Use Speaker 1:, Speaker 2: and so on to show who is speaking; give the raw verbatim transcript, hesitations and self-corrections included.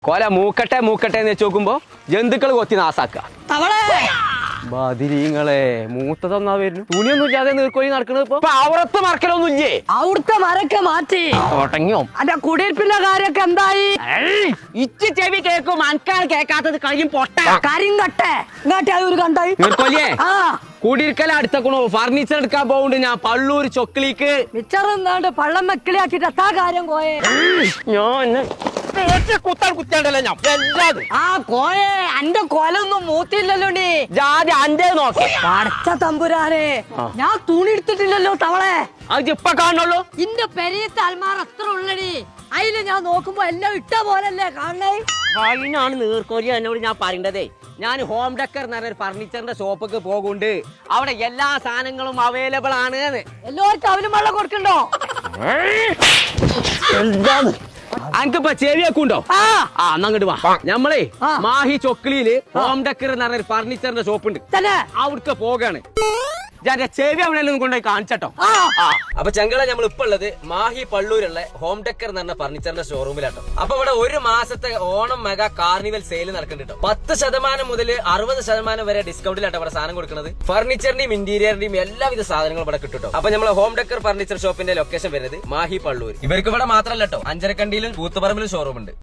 Speaker 1: കൊല മൂക്കട്ടെ മൂക്കട്ടെ എന്ന് വെച്ച് നോക്കുമ്പോ ജന്തുക്കൾ കൊത്തി നാസാക്ക ബദിരീങ്ങളെ മൂത്തതൊന്നാ വരുന്നു തുണിയൊന്നും ഇല്ലാതെ നീർക്കോലി നടക്കണത് ഇപ്പൊ അവിടത്തെ മറക്കലൊന്നും ഇല്ലേ?
Speaker 2: അവിടുത്തെ മരൊക്കെ മാറ്റി
Speaker 1: തുടങ്ങിയോ?
Speaker 2: അന്റെ കുടിയിരിപ്പിന്റെ കാര്യൊക്കെ എന്തായി?
Speaker 1: ഇച്ച് ചെവി കേക്കും അനക്കാണ് കേക്കാത്തത് കഴിയും പൊട്ട
Speaker 2: കരിങ്കട്ടെ ഇങ്ങോട്ട് അത് ഒരു കണ്ടായി
Speaker 1: നീർക്കോലിയെ
Speaker 2: ആ
Speaker 1: കൂടിയിരിക്കല അടുത്തക്കണോ ഫർണിച്ചർ എടുക്കാൻ പോവുണ്ട് ഞാൻ പള്ളൂർ ചൊക്കിളിക്ക്
Speaker 2: മിച്ചറന്നാണ്ട് പള്ളം വെക്കിളിയാക്കിട്ട് എത്താ കാര്യം കോയെ
Speaker 1: ഞാൻ കുത്താൻ കുത്തിയാണ്ടല്ലോ ഞാൻ എല്ലാതും
Speaker 2: ആ കോയെ അന്റെ കൊലൊന്നും മൂത്തില്ലല്ലോ നീ
Speaker 1: ജാതി അന്റെ നോക്കി
Speaker 2: പടച്ച തമ്പുരാനെ ഞാൻ തുണി എടുത്തിട്ടില്ലല്ലോ തവളെ
Speaker 1: അത് ഇപ്പൊ കാണുള്ളൂ.
Speaker 2: ഇന്റെ പെരിയത്തെ അൽമാർ അത്ര ഉള്ളടി അതില് ഞാൻ നോക്കുമ്പോ എല്ലാം ഇട്ട പോലല്ലേ കാണണേ
Speaker 1: അതിനാണ് നീർക്കോലി എന്നോട് ഞാൻ പറയേണ്ടതേ. ഞാൻ ഹോം ഡെക്കർ എന്ന് പറഞ്ഞ ഫർണിച്ചറിന്റെ ഷോപ്പൊക്കെ പോകുന്നുണ്ട്. അവിടെ എല്ലാ സാധനങ്ങളും അവൈലബിൾ ആണ്.
Speaker 2: എല്ലാവർക്കും അവനും വെള്ളം കൊടുക്കണ്ടോ?
Speaker 1: അനക്കിപ്പോ ചെവിയൊക്കെ
Speaker 2: ആ
Speaker 1: ആ അങ്ങോട്ട് വാ. ഞമ്മളേ
Speaker 2: ആ.
Speaker 1: മാഹി ചൊക്കിളിയില് ഹോം ഡെക്കർ എന്ന് പറഞ്ഞ ഫർണിച്ചറിന്റെ ഷോപ്പ് ഉണ്ട്.
Speaker 2: തന്നെ
Speaker 1: അവിടുത്തെ പോകാണ് ഞാൻ ചെവി അവിടെ കൊണ്ടുപോയി കാണിച്ചട്ടോ.
Speaker 2: ആ
Speaker 3: അപ്പൊ ചെങ്കള നമ്മൾ ഇപ്പൊ ഉള്ളത് മാഹി പള്ളൂരുള്ള ഹോം ഡെക്കർ എന്ന് പറഞ്ഞ ഫർണിച്ചറിന്റെ ഷോറൂമിലാട്ടോ. അപ്പൊ ഇവിടെ ഒരു മാസത്തെ ഓണം മെഗാ കാർണിവൽ സെയിൽ നടക്കുന്നുണ്ട്. പത്ത് ശതമാനം മുതൽ അറുപത് ശതമാനം വരെ ഡിസ്കൗണ്ടിലാട്ടോ ഇവിടെ സാധനം കൊടുക്കുന്നത്. ഫർണിച്ചറിന്റെയും ഇന്റീരിയറിന്റെയും എല്ലാവിധ സാധനങ്ങളും ഇവിടെ കിട്ടും. അപ്പൊ നമ്മളെ ഹോം ഡെക്കർ ഫർണിച്ചർ ഷോപ്പിന്റെ ലൊക്കേഷൻ വരുന്നത് മാഹി പള്ളൂർ. ഇവർക്ക് ഇവിടെ മാത്രമല്ല കേട്ടോ, അഞ്ചരക്കണ്ടിയിലും കൂത്തുപറമ്പിലും ഷോറൂം ഉണ്ട്.